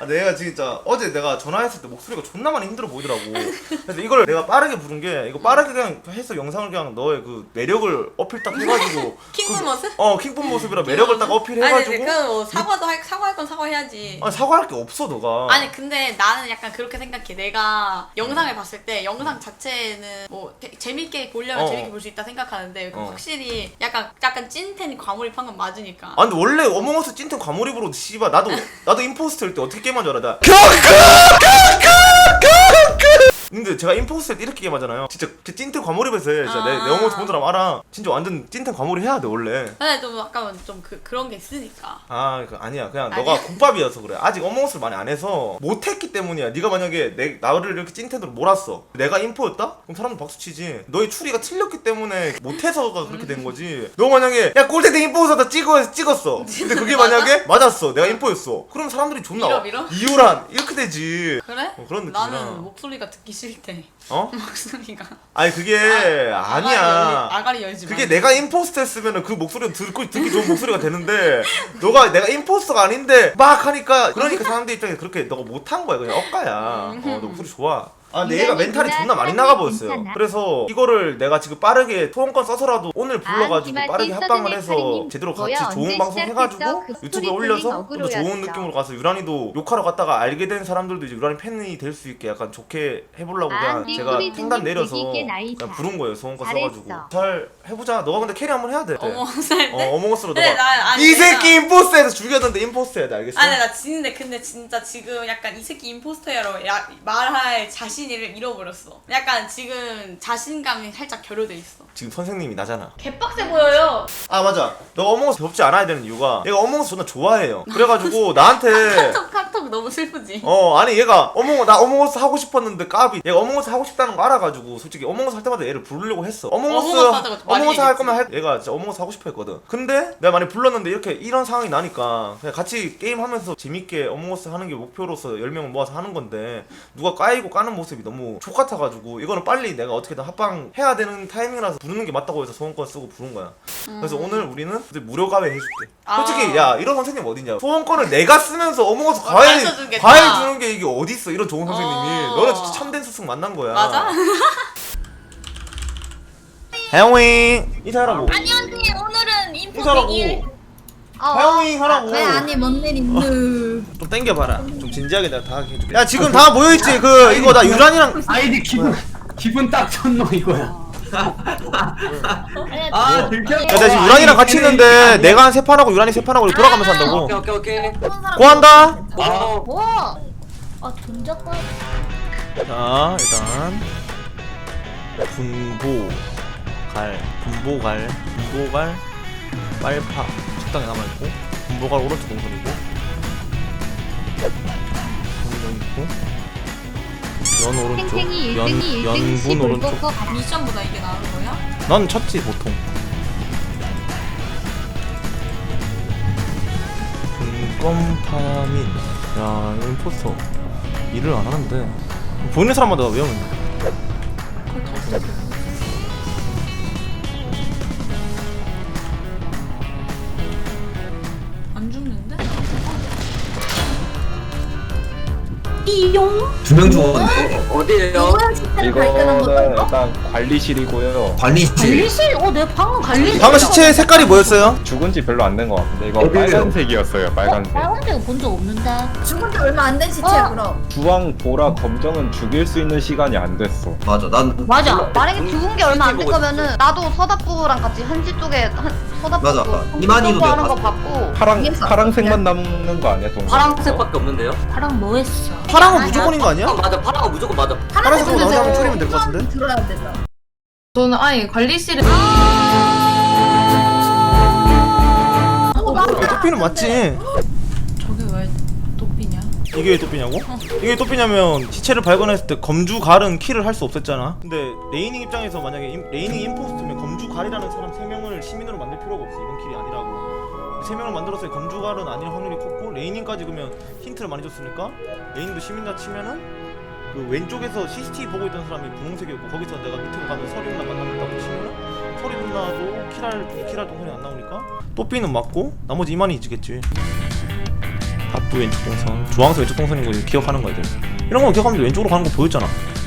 아, 내가 진짜 어제 내가 전화했을 때 목소리가 존나 많이 힘들어 보이더라고. 그래서 이걸 내가 빠르게 부른 게 이거 빠르게 그냥 해서 영상을 그냥 너의 그 매력을 어필 딱 해가지고 킹분 모습? 킹분 모습이라 매력을 딱 어필해가지고. 아니 그뭐 사과할 건 사과해야지. 아니 사과할 게 없어 너가. 아니 근데 나는 약간 그렇게 생각해. 내가 영상을 봤을 때 영상 자체는 뭐 재밌게 보려면 재밌게 볼 수 있다 생각하는데 확실히 약간 찐텐 과몰입한 건 맞으니까. 아 근데 원래 어몽어스 찐텐 과몰입으로 씨발 나도 임포스터일 때 어떻게 게임한 줄 알아? 나 근데 제가 임포스터일 때 이렇게 게임하잖아요. 진짜 찐텐 과몰입해서 해. 진짜 내 어몽어스 본 사람 알아. 진짜 완전 찐텐 과몰입 해야 돼 원래. 근데 좀 약간 좀 그런 게 있으니까. 아니야 그냥 너가 국밥이어서 그래. 아직 어몽어스를 많이 안 해서 못했기 때문이야. 네가 만약에 나를 이렇게 찐텐으로 몰았어. 내가 인포였다? 그럼 사람들 박수치지. 너의 추리가 틀렸기 때문에 못해서가 그렇게 된 거지. 너 만약에 야 꼴대대 인포였다 찍었어. 근데 그게 만약에 맞았어. 내가 인포였어. 그럼 사람들이 존나 밀어? 이유란 이렇게 되지. 그래? 그런 느낌이야. 나는 목소리가 듣기 싫대. 목소리가. 아니 그게 아니야. 아가리 열지 마. 그게 내가 임포스터 했으면은 그 목소리를 듣기 좋은 목소리가 되는데 너가 내가 임포스터가 아닌데 막 하니까 그러니까 사람들 입장에서 그렇게 너가 못한 거야. 그냥 엇가야. 너 목소리 좋아. 아 근데 얘가 멘탈이 존나 많이 나가 보였어요. 그래서 이거를 내가 지금 빠르게 소원권 써서라도 오늘 불러가지고 빠르게 합방을 해서 제대로 같이 좋은 방송 해가지고 유튜브에 올려서 좀 더 좋은 느낌으로 가서 유란이도 욕하러 갔다가 알게 된 사람들도 이제 유란이 팬이 될 수 있게 약간 좋게 해보려고 그냥 제가 탱단 내려서 그냥 부른 거예요. 소원권 써가지고 잘 해보자. 너가 근데 캐리 한번 해야 돼. 어몽어스 할 때? 어몽어스로 근데 너가 이 새끼 임포스터에서 죽였는데 임포스터 해야 돼. 알겠어? 아니 나 근데 진짜 지금 약간 이 새끼 임포스터야로 말할 자신을 잃어버렸어. 약간 지금 자신감이 살짝 결여돼 있어. 지금 선생님이 나잖아. 개빡세 보여요. 아 맞아. 너 어몽어스 덥지 않아야 되는 이유가 얘가 어몽어스 존나 좋아해요. 그래가지고 나한테 카톡 너무 슬프지. 아니 얘가 나 어몽어스 하고 싶었는데 까비. 얘가 어몽어스 하고 싶다는 거 알아가지고 솔직히 어몽어스 할 때마다 얘를 부르려고 했어. 어몽어스 할 거면 얘가 진짜 어몽어스 하고 싶어 했거든. 근데 내가 많이 불렀는데 이런 상황이 나니까 그냥 같이 게임하면서 재밌게 어몽어스 하는 게 목표로서 10명을 모아서 하는 건데 누가 까이고 까는 모습이 너무 족같아가지고 이거는 빨리 내가 어떻게든 합방 해야 되는 타이밍이라서 부르는 게 맞다고 해서 소원권 쓰고 부른 거야. 그래서 오늘 우리는 이제 무료 가외 해줄게. 솔직히 야 이런 선생님 어딨냐. 소원권을 내가 쓰면서 어몽어스 과외 주는 게 이게 어딨어. 이런 좋은 선생님이. 너는 진짜 참된 스승 만난 거야. 맞아? 하영잉 인사하라고. 안녕하세요. 오늘은 인사하라고. 인포백일. 하영잉 하라고. 왜 아니 뭔일 있누? 좀 땡겨봐라. 좀 진지하게 내가 다 해줄게. 야 지금 다 모여있지. 이거 나 유란이랑 아이디 기분 딱 쳤노 이거야. 아 들켜. 야 나 지금 유란이랑 같이 있는데 내가 한 3판하고 유란이 3판하고 돌아가면서 한다고. 오케이. 고한다. 뭐? 아 돈작가. 자 일단 분보갈 빨파 식당에 남아있고 분보갈 오른쪽 동선이고 있고 연 오른쪽 연분 오른쪽. 미션보다 이게 나은 거야? 넌 쳤지 보통. 분검파민. 야 이거 임포스터 일을 안 하는데 보이는 사람마다 외우면 돼. 안 죽는데? 두 명 죽었는데 어디에요? 이거는 일단 관리실이고요. 관리실. 관리실? 내가 방금 관리실. 방금 시체 색깔이 뭐였어요? 죽은 지 별로 안 된 것 같은데 이거 어디에요? 빨간색이었어요. 빨간색. 빨간색 본 적 없는데. 죽은 지 얼마 안 된 시체야 그럼. 주황, 보라, 검정은 죽일 수 있는 시간이 안 됐어. 맞아. 난 맞아. 만약에 죽은 게 얼마 안 된 거면은 나도 서답부랑 같이 한지 쪽에 서답부 맞아. 이만희도 내가 하는 거 봤어. 봤고. 파랑색만 남는 거 아니야 동생? 파랑색밖에 없는데요? 파랑 뭐 했어? 파랑은 무조건인 거 아니야? 맞아, 파랑은 무조건 맞아. 파란색으로 나오지 않으면 줄이면 될 것 같은데? 들어야 된다. 저는 아예 관리실에 또삐는 맞지? 저게 왜 도삐냐? 이게 왜 또삐냐고? 이게 왜 또삐냐면 시체를 발견했을 때 검주갈은 킬을 할 수 없었잖아. 근데 레이닝 입장에서 만약에 레이닝 임포스트면 검주갈이라는 사람 3명을 시민으로 만들 필요가 없어. 이번 킬이 아니라고. 3명을 만들었을 때 검주갈은 아닐 확률이 컸고 레이닝까지 그러면 힌트를 많이 줬으니까 레이닝도 시민자 치면은 그 왼쪽에서 CCTV 보고 있던 사람이 분홍색이었고 거기서 내가 밑으로 가면 서리 누나 만난다고 치면은 서리 누나도 킬할 동선이 안 나오니까 또삐는 맞고 나머지 이만희 이지겠지. 앞부 왼쪽 동선, 주황색 왼쪽 동선인 거 기억하는 거야. 이런 거 기억하면 돼. 왼쪽으로 가는 거 보였잖아.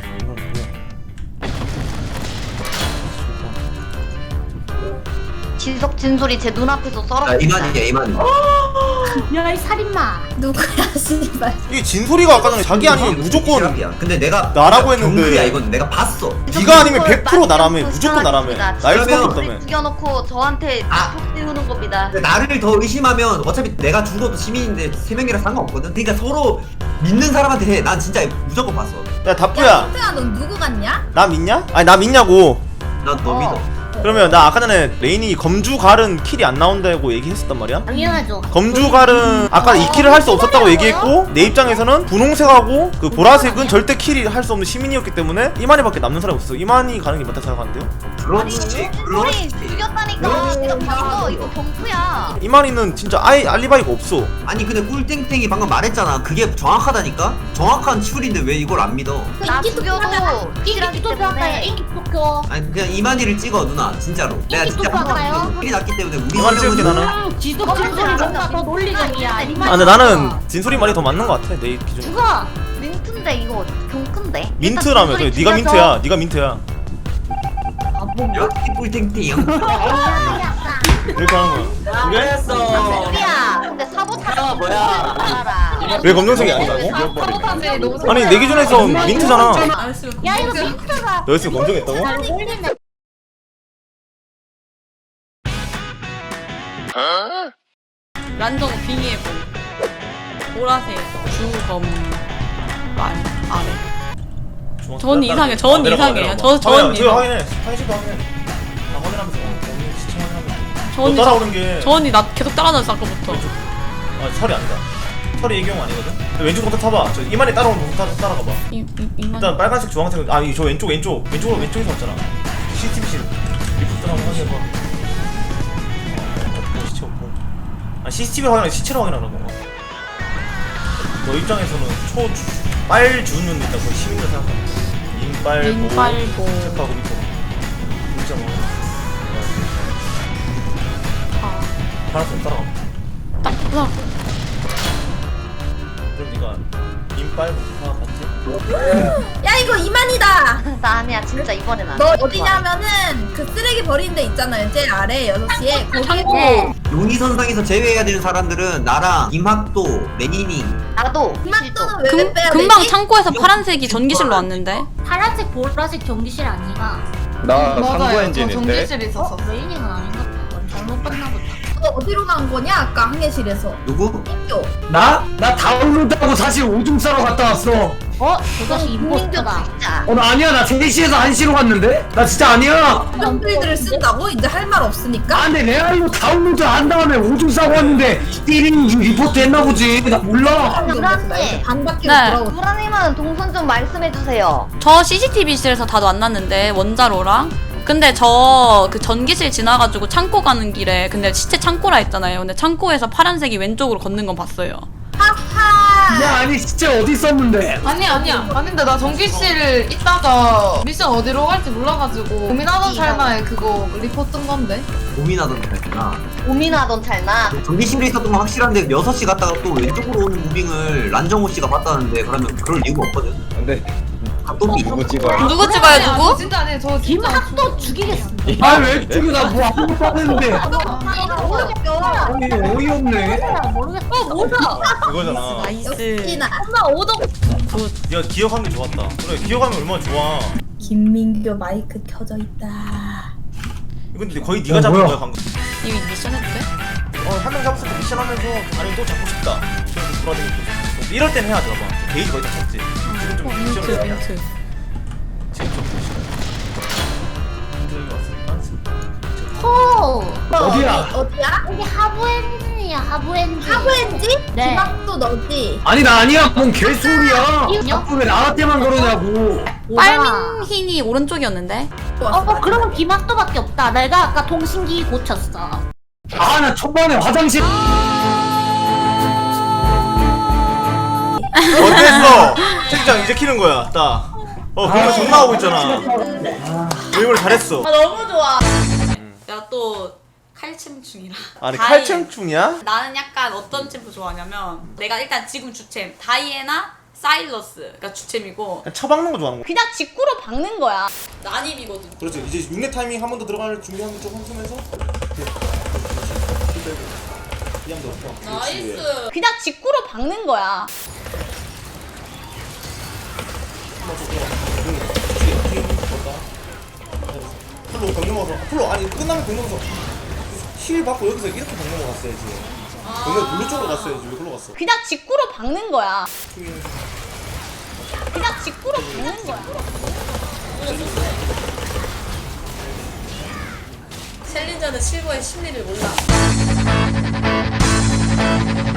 지석 진솔이 제 눈앞에서 야 썰었다. 이만희야 이만희. 야이 살인마. 누구야 씨발. 이게 진솔이가 아까 전에 자기 아니면 무조건 시작이야. 근데 내가 나라고 했는데. 경크야 이건 내가 봤어. 네가 아니면 100% 나라며. 무조건 나라며. 나일 수밖에 그러면- 없다며. 죽여놓고 저한테 아. 폭 띄우는 겁니다. 근데 나를 더 의심하면 어차피 내가 죽어도 시민인데 3명이라 상관없거든. 그러니까 서로 믿는 사람한테 해. 난 진짜 무조건 봤어. 야 다뿌야, 성태야 넌 누구 같냐? 나 믿냐? 아니 나 믿냐고. 난 너 믿어. 그러면 나 아까 전에 레인이 검주갈은 킬이 안 나온다고 얘기했었단 말이야? 당연하죠. 검주갈은 아까 이 킬을 할 수 없었다고 얘기했고, 내 입장에서는 분홍색하고 그 보라색은 절대 킬이 할 수 없는 시민이었기 때문에 이만희밖에 남는 사람이 없어. 이만희 가는 게 맞다 생각하는데요? 그렇지. 진솔이 그렇지. 죽였다니까. 이거 봤어. 이거 경프야. 이만희는 진짜 아예 알리바이가 없어. 아니 근데 꿀땡땡이 방금 말했잖아. 그게 정확하다니까? 정확한 추리인데 왜 이걸 안 믿어? 나 죽여도 확실하기 때문에. 인기 투표. 아니 그냥 이만희를 찍어 누나 진짜로. 내가 진짜 똑똑하나요? 킬이 났기 때문에 우리 이만희 찍을게 사람은 나는. 지속 진솔이 뭔가 더 논리적이야. 아 근데 나는 진솔이 말이 더 맞는 것 같아 내 기준. 죽어. 민트인데 이거 경큰데. 민트라며. 그래, 네가 민트야. 네가 민트야. 여기 꿀땡땡. 이렇게 하는 거야. 그래? 그랬어. 우리야. 근데 사보타지 야, 뭐야. 알아. 왜 검정색이 아니라고? 사보타지 너무 아니 내 기준에서 민트잖아. 알았어. 야 이거 민트가. 너였으면 검정했다고? 잘 놀리네. 란정 빙의해보. 보라색 주검 만 아래. 전 이상해. 전 이상해요. 전 저 이상. 확인해. 확인시켜 확인해. 나 확인하면서 시청 확인하면서. 전이 너 따라오는 게. 전이 나 계속 따라다녔어 아까부터. 아 철이 아니다. 철이 얘기형 아니거든. 왼쪽부터 타봐. 저 이만희 따라오는 거 따라가봐. 이만. 일단 빨간색, 주황색. 아니 저 왼쪽으로 왼쪽에서 왔잖아. CCTV실 리포트 한번 확인해봐. 없고 시체 없고. 아 CCTV 확인하고 시체를 확인하라고. 너 입장에서는 빨주는 일단 거의 시민을 생각하는 거야. 인빨보. 체크하고 밑에 문자 뭐. 아. 파란색 따라가. 딱. 그럼 네가 인빨보 봤지? 야 이거 이만이다. 나 아니야 진짜 이번엔 안. 너 어디냐면은 그 쓰레기 버리는 데 있잖아요. 제일 아래 6시에 거기에 창고. 용의선상에서 제외해야 되는 사람들은 나랑 임학도, 레니니. 나도. 금막도는 왜 빼야 되지? 금방 창고에서 파란색이 전기실로 왔는데. 파란색 보라색 전기실 아니가. 나 상부 맞아요. 저 엔진인데. 전기실에 있었어. 레이닝은 아닌가 보다. 잘못 봤나 보다. 너 어디로 간 거냐? 아까 항해실에서. 누구? 학교. 나 다운로드하고 사실 오줌 싸러 갔다 왔어. 그것이 임포스터다. 진짜. 나 아니야. 나 3시에서 1시로 갔는데? 나 진짜 아니야. 이런 필드를 쓴다고? 이제 할 말 없으니까? 아, 근데 레알로 다운로드 한 다음에 오줌 싸고 왔는데 1인 리포트 했나 보지. 나 몰라. 불안해. 반바퀴로 네. 돌아오고. 부라님은 동선 좀 말씀해주세요. 저 CCTV실에서 다 만났는데 원자로랑. 근데 저 그 전기실 지나가지고 창고 가는 길에 근데 시체 창고라 했잖아요. 근데 창고에서 파란색이 왼쪽으로 걷는 건 봤어요. 야, 아니 진짜 어디 있었는데? 아니야. 아닌데 나 전기실 있다가 미션 어디로 갈지 몰라가지고 고민하던 찰나에 그거 리포트 뜬 건데. 고민하던 거였구나. 고민하던 찰나. 전기실에 있었던 건 확실한데 6시 갔다가 또 왼쪽으로 오는 무빙을 란정호 씨가 봤다는데 그러면 그럴 이유가 없거든. 근데 각도비 누구 찍어야 누구 찍어요 저 누구? 진짜 아니에요. 저 진짜 김학도 죽이겠습니다. 아왜 죽여? 나뭐 아무것도 안 했는데. 아니 어이없네. 모르겠어. 뭐야? 그거잖아. 나이스. 역시나. 엄마 오동. 야 기억하는 게 좋았다. 그래 기억하면 얼마나 좋아. 김민규 마이크 켜져 있다. 이건 근데 거의 네가 잡은 뭐야? 거야 방금. 이거 미션 해도 돼? 한 명 잡았을 때 미션 하면서 아니면 또 잡고 싶다. 그래서 돌아다니고 또 이럴 땐 해야 돼 봐봐. 게이지 거의 다 찼지. 지금 좀 민트 미션을 해야 돼. 민트. 지금 좀 미션. 민트 왔으니까. 어디야? 어디야? 여기 하부 엔진이야, 하부 엔진. 하부 엔진? 네. 김학도 너지? 아니 나 아니야. 뭔 개소리야. 자꾸 왜 나한테만 그러냐고. 빨민흰이 오른쪽이었는데. 그러면 김학도밖에 없다. 내가 아까 통신기 고쳤어. 아 나 초반에 화장실. 어땠어? 책장 이제 키는 거야. 딱. 그러면 정 나오고 있잖아. 이걸 잘했어. 너무 좋아. 내가 또 칼챔충이라. 아니 다이. 칼챔충이야? 나는 약간 어떤 챔프 좋아하냐면 내가 일단 지금 주챔 다이애나 사일러스가 주챔이고 처박는 거 좋아하는 거. 그냥 직구로 박는 거야. 난입이거든. 그렇지. 이제 6렙 타이밍 한 번 더 들어갈 준비하면 좀 한숨해서. 이양 더. 나이스. 그냥 직구로 박는 거야. 풀로 병력 먹어서 풀로 아니 끝나면 병력 먹어서 힐 받고 여기서 이렇게 병력 먹었어야지. 병력 블루 쪽으로 갔어야지. 왜 글로 갔어? 그냥 직구로 박는 거야. 그냥 직구로 박는 거야. 챌린저는 실버의 심리를 몰라.